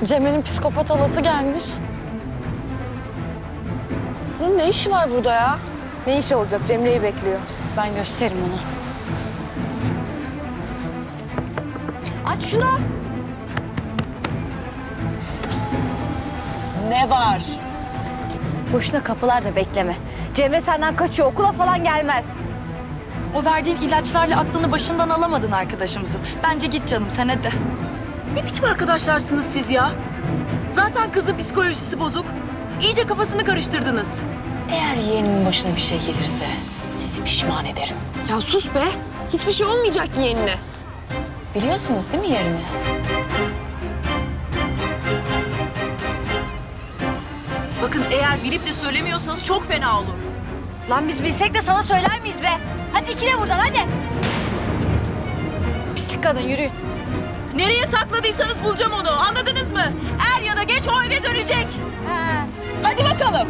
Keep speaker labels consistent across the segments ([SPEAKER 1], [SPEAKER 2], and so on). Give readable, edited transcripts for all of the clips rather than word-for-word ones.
[SPEAKER 1] Cemre'nin psikopat halası gelmiş. Bunun ne işi var burada ya?
[SPEAKER 2] Ne işi olacak? Cemre'yi bekliyor.
[SPEAKER 1] Ben gösteririm ona.
[SPEAKER 2] Aç şunu.
[SPEAKER 3] Ne var?
[SPEAKER 2] Boşuna kapılarda bekleme. Cemre senden kaçıyor. Okula falan gelmez.
[SPEAKER 1] O verdiğin ilaçlarla aklını başından alamadın arkadaşımızın. Bence git canım sen hadi.
[SPEAKER 4] Ne biçim arkadaşlarsınız siz ya? Zaten kızın psikolojisi bozuk. İyice kafasını karıştırdınız.
[SPEAKER 3] Eğer yeğenimin başına bir şey gelirse sizi pişman ederim.
[SPEAKER 2] Ya sus be. Hiçbir şey olmayacak yeğenine.
[SPEAKER 3] Biliyorsunuz değil mi yerini?
[SPEAKER 4] Bakın eğer bilip de söylemiyorsanız çok fena olur.
[SPEAKER 2] Lan biz bilsek de sana söyler miyiz be? Hadi ikile buradan hadi. Pislik kadın yürüyün.
[SPEAKER 4] Nereye sakladıysanız bulacağım onu. Anladınız mı? Er ya da geç o eve dönecek.
[SPEAKER 2] Ha.
[SPEAKER 4] Hadi bakalım.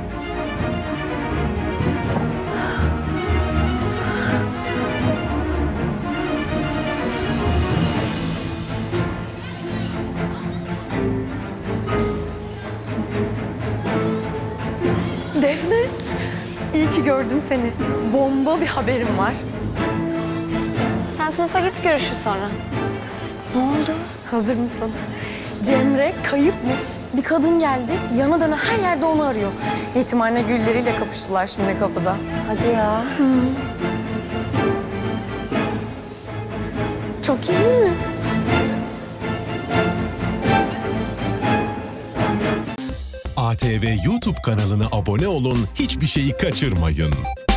[SPEAKER 1] Defne, iyi ki gördüm seni. Bomba bir haberim var.
[SPEAKER 2] Sen sınıfa git görüşürüz sonra.
[SPEAKER 1] Ne oldu? Hazır mısın? Cemre kayıpmış. Bir kadın geldi, yana döne her yerde onu arıyor. Yetimhane gülleriyle kapıştılar şimdi kapıda.
[SPEAKER 2] Hadi ya.
[SPEAKER 1] Çok iyi değil mi?
[SPEAKER 5] ATV YouTube kanalına abone olun, hiçbir şeyi kaçırmayın.